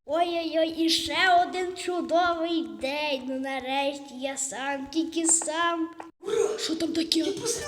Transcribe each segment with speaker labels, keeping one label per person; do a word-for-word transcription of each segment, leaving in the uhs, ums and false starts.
Speaker 1: Ой-ой-ой, і ще один чудовий день. Ну нарешті я сам, тільки сам. Що там таке?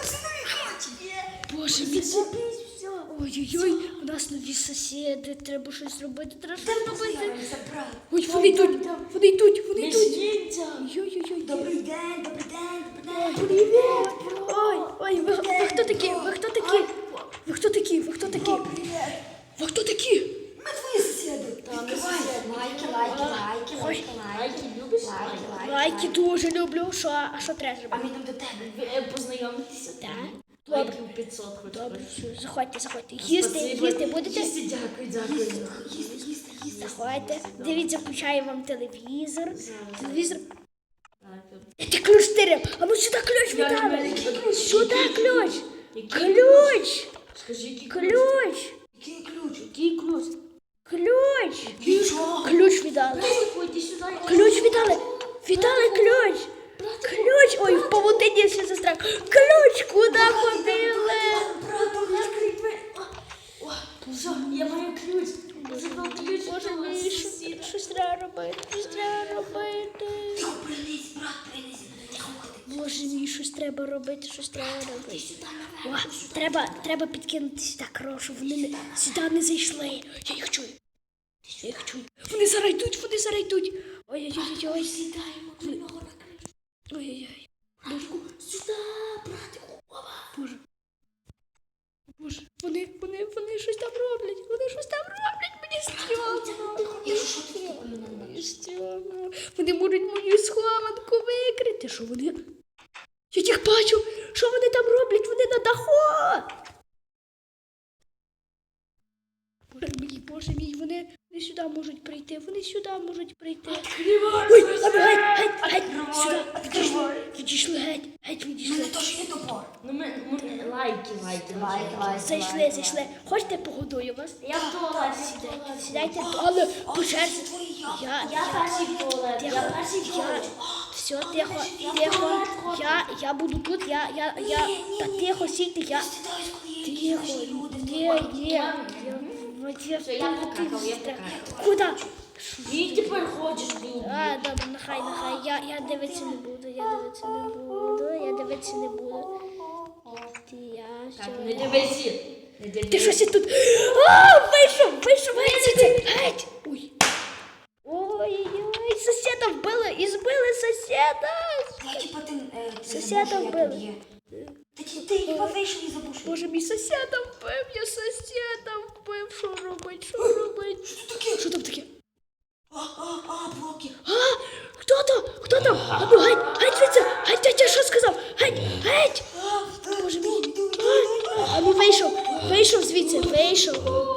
Speaker 1: Боже мій. Ой-ой-ой, у нас нові сусіди, треба щось робити, треба щось робити. Ой, вони йдуть, вони йдуть, вони йдуть. Ой-ой-ой.
Speaker 2: Добрий день, добрий день, добрий день.
Speaker 1: Привіт. Ой, ой, ви, ви хто такі? Ви хто такі? Ви хто такі? Ви хто такі? Ви хто такі?
Speaker 2: Ми твої сусіди. Відкривай. Лайки, лайки, лайки, лайки, лайки.
Speaker 3: Любиш
Speaker 2: Лайки, лайки.
Speaker 1: Лайки дуже люблю. Що? А що треба
Speaker 2: А
Speaker 1: зробити?
Speaker 2: ми йдемо до тебе.
Speaker 3: Ви е, познайомитися?
Speaker 1: Так.
Speaker 3: Лайків п'ятсот хоч.
Speaker 1: Добре, все, заходьте, заходьте. Їсти,
Speaker 3: Спасибо.
Speaker 1: їсти будете?
Speaker 3: Їсти, дякую, дякую.
Speaker 2: Їсти, їсти, їсти.
Speaker 1: Заходьте. Дивіться, включаю вам телевізор. Телевізор.
Speaker 3: Так.
Speaker 1: Ти ключ теряв. А ну сюди ключ
Speaker 3: Як
Speaker 1: віддали.
Speaker 3: мене?
Speaker 1: Сюди ключ.
Speaker 3: Який
Speaker 1: Ключ.
Speaker 3: Скажи, який
Speaker 1: Ключ.
Speaker 2: Який ключ?
Speaker 1: Який ключ? Ключ.
Speaker 2: Нічого.
Speaker 1: Ключ віддали.
Speaker 3: Ходь сюди.
Speaker 1: Ключ віддали. Віддали ключ. Ключ. Ой, в павутині ще сестра. Ключ. Куди ходили?
Speaker 2: Брату, відкрий двері.
Speaker 3: О, все, я маю ключ. Я забрав ключ.
Speaker 1: Боже
Speaker 3: у
Speaker 1: мій,
Speaker 3: вас
Speaker 1: що-
Speaker 3: сусіда.
Speaker 1: щось треба робити. Щось треба робити.
Speaker 2: Тихо, принись, брат, принись. Тихо, ходи.
Speaker 1: Боже мій, щось треба робити, щось треба робити.
Speaker 2: Сюди
Speaker 1: О,
Speaker 2: наверх.
Speaker 1: треба, треба підкинути сюди крошу. Вони не, сюди не зайшли. Я їх чую. Я їх чую. Вони зараз йдуть, вони зараз йдуть. Ой-ой-ой.
Speaker 2: Сідаємо до нього на криш.
Speaker 1: Ой-ой-ой.
Speaker 2: Сюди, братику. Опа.
Speaker 1: Боже. Боже, вони, вони, вони щось там роблять. Вони щось там роблять. Мені стрьомно.
Speaker 2: І що ти такою не
Speaker 1: Мені стрьомно. Вони можуть мою схованку викрити. Що вони? Я їх бачу. Що вони там роблять? Вони на даху. Боже мій, боже мій, вони, вони сюди можуть прийти. Вони сюди можуть прийти. Ой, а ви геть, геть, геть. Сюди. Відійшли. Відійшли геть. Геть
Speaker 2: У
Speaker 1: відійшли.
Speaker 2: мене теж є топор.
Speaker 3: Ну, ми, ми, лайки, лайки.
Speaker 2: Лайки, лайки.
Speaker 1: Зайшли, зайшли. Хочете погодую вас?
Speaker 3: Я в туалет.
Speaker 1: Сідайте, сідайте, але по черзі. Я,
Speaker 3: Я перший в туалет. Я
Speaker 1: Тихо,
Speaker 3: перший в
Speaker 1: я,
Speaker 3: туалет.
Speaker 1: все, тихо, тихо, я, я буду тут, я, я, я, та тихо, сійте, я,
Speaker 2: Стидаюсь, коли є
Speaker 1: тихо,
Speaker 2: інші люди.
Speaker 1: є, є, я,
Speaker 3: Все, я покакав, я покакав.
Speaker 1: Куда?
Speaker 3: І тепер хочеш бігти.
Speaker 1: А, добре, нехай, нехай, я, я дивитися не буду, я дивитися не буду, я дивитися не буду. Ти, я,
Speaker 3: Так,
Speaker 1: все,
Speaker 3: не
Speaker 1: я.
Speaker 3: дивися. Не
Speaker 1: Ти
Speaker 3: дивися.
Speaker 1: щось тут, а, вийшов, вийшов, геть, звідси, геть, ой. Ой-ой-ой, сусіда вбили, і збили сусіда.
Speaker 2: Та, типа, ти, е, ти
Speaker 1: Сусіда
Speaker 2: забув, що я
Speaker 1: вбили.
Speaker 2: тут є. Ти, ти, ти хіба вийшов і забув, що
Speaker 1: Боже, мій сусіда вбив, я сусіда вбив, що робить, що робить?
Speaker 2: Що таке?
Speaker 1: Що там таке?
Speaker 2: А, а, а, блоки.
Speaker 1: А, хто там? Хто там? А ну, геть, геть звідси, геть, геть, я що сказав? Геть, геть.
Speaker 2: А,
Speaker 1: Боже мій.
Speaker 2: йду, йду, йду, йду.
Speaker 1: А ну, вийшов, вийшов звідси, вийшов.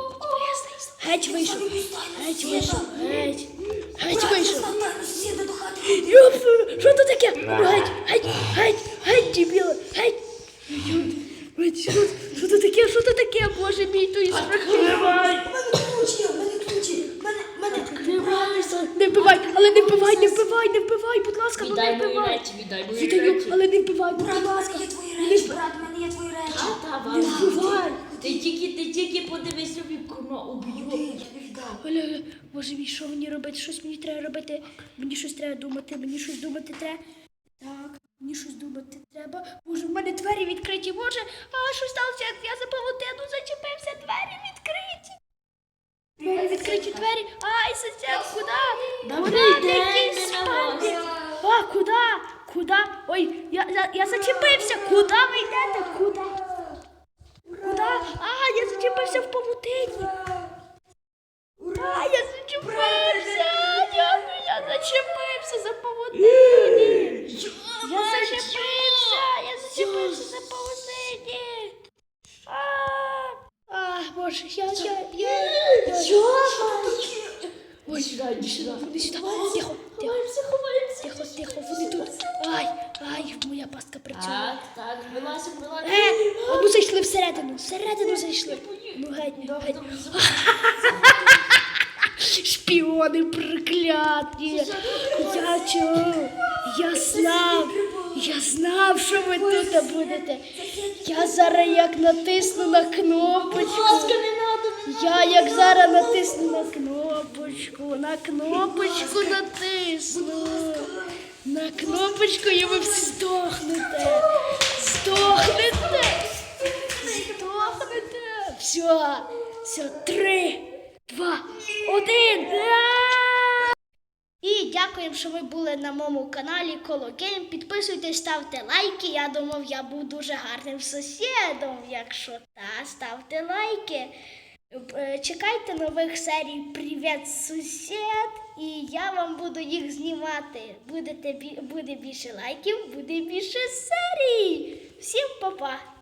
Speaker 1: Геть вийшов, геть вийшов, геть, геть вийшов.
Speaker 2: Брат, я сусіда до хати.
Speaker 1: Йоп, що це таке? Ну, геть, геть, геть, геть, дебіли, геть. Геть, що, що це таке, що це таке, Боже мій, то із страхи.
Speaker 2: У мене ключ є, у мене ключ є. У мене, у мене.
Speaker 1: Не вбивай, але не вбивай, не вбивай, не вбивай, будь ласка, ну не
Speaker 3: Віддай мої
Speaker 1: вбивай.
Speaker 3: речі, віддай мої
Speaker 1: Віддаю,
Speaker 3: речі.
Speaker 1: але не вбивай, будь
Speaker 2: Брат, у
Speaker 1: ласка.
Speaker 2: мене є твої
Speaker 1: Не
Speaker 2: речі,
Speaker 1: вбивай.
Speaker 2: брат, у мене є твої речі.
Speaker 3: Та, та,
Speaker 1: Не
Speaker 3: вам.
Speaker 1: вбивай.
Speaker 3: Ти тільки, ти тільки подивись собі в кіно,
Speaker 2: Куди?
Speaker 3: уб'ю.
Speaker 2: Я не віддав.
Speaker 1: Оля, Боже мій, що мені робити? Щось мені треба робити. Мені щось треба думати, мені щось думати треба. Так, мені щось думати треба. Боже, в мене двері відкриті, Боже. А що сталося? Я за павутину зачепився, двері відкриті. Двері відкриті двері. Ай, сусід, куди?
Speaker 3: Добрий
Speaker 1: Куди?
Speaker 3: день,
Speaker 1: Який
Speaker 3: ми на
Speaker 1: спальник?
Speaker 3: вас.
Speaker 1: А, куди? Куди? Ой, я, я, я зачепився. Куди ви йдете? Куди? Куди? А, я зачепився в павутині. А, я зачепився. Дякую, я зачепився за павутині. Я зачепився. Я зачепився за павутині. А, а, Боже, я, я, я, я.
Speaker 2: Що?
Speaker 1: Ой,
Speaker 3: Сюди, іди сюди.
Speaker 1: Вони сюди. Тихо, тихо. Тихо, тихо, вони тут. Ай, ай, моя пастка працює.
Speaker 3: Так, так, вилазь, вилазь.
Speaker 1: Е, а ну зайшли всередину, всередину зайшли. Ну геть, геть. Шпіони прокляті. Я чув, я знав, я знав, що ви тут будете. Я зараз як натисну на кнопочку.
Speaker 3: Будь ласка, не надо, не
Speaker 1: Я як зараз натисну на кнопочку. кнопочку, на кнопочку натисну. На кнопочку і ви всі здохнете. Здохнете. Здохнете. Все, все, три, два, один. І дякуємо, що ви були на моєму каналі Колокейм. Підписуйтесь, ставте лайки. Я думав, я був дуже гарним сусідом. Якщо так, ставте лайки. Е, Чекайте нових серій «Привіт, сусід!» і я вам буду їх знімати. Будете, бі- буде більше лайків, буде більше серій. Всім па-па!